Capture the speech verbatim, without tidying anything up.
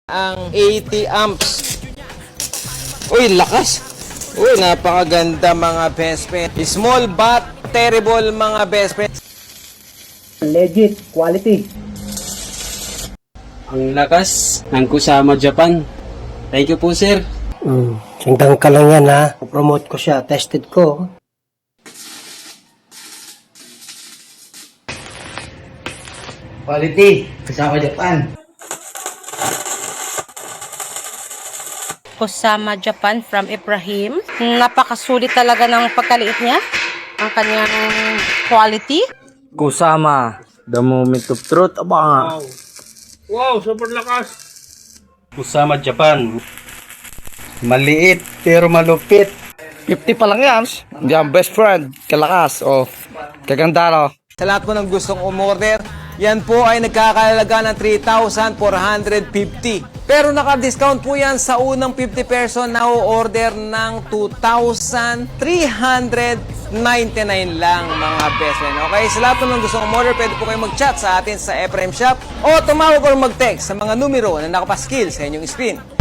ang eighty amps. Uy, lakas! Uy, napakaganda mga best friend. Small but terrible mga best friend. Legit, quality. Ang lakas ng Kusama Japan. Thank you po, sir. Hmm, sindang ka lang yan ha. Promote ko siya, tested ko. Quality, Kusama Japan. Kusama Japan from Ibrahim. Napakasulit talaga ng pagkaliit niya. Ang kanyang quality. Kusama, the moment of truth. Aba nga. Wow, super lakas. Kusama Japan. Maliit pero malupit. fifty pa lang yan. Hindi ang best friend. Kalakas. O, kaganda no. Sa lahat po ng gustong umorder, yan po ay nagkakalaga ng three thousand four hundred fifty. Pero naka-discount po yan sa unang fifty person na order ng two thousand three hundred ninety-nine lang mga best friend. Okay, sa lahat po ng gustong umorder, pwede po kayo mag-chat sa atin sa Ephraim Shop o tumawag or mag-text sa mga numero na nakapaskil sa inyong screen.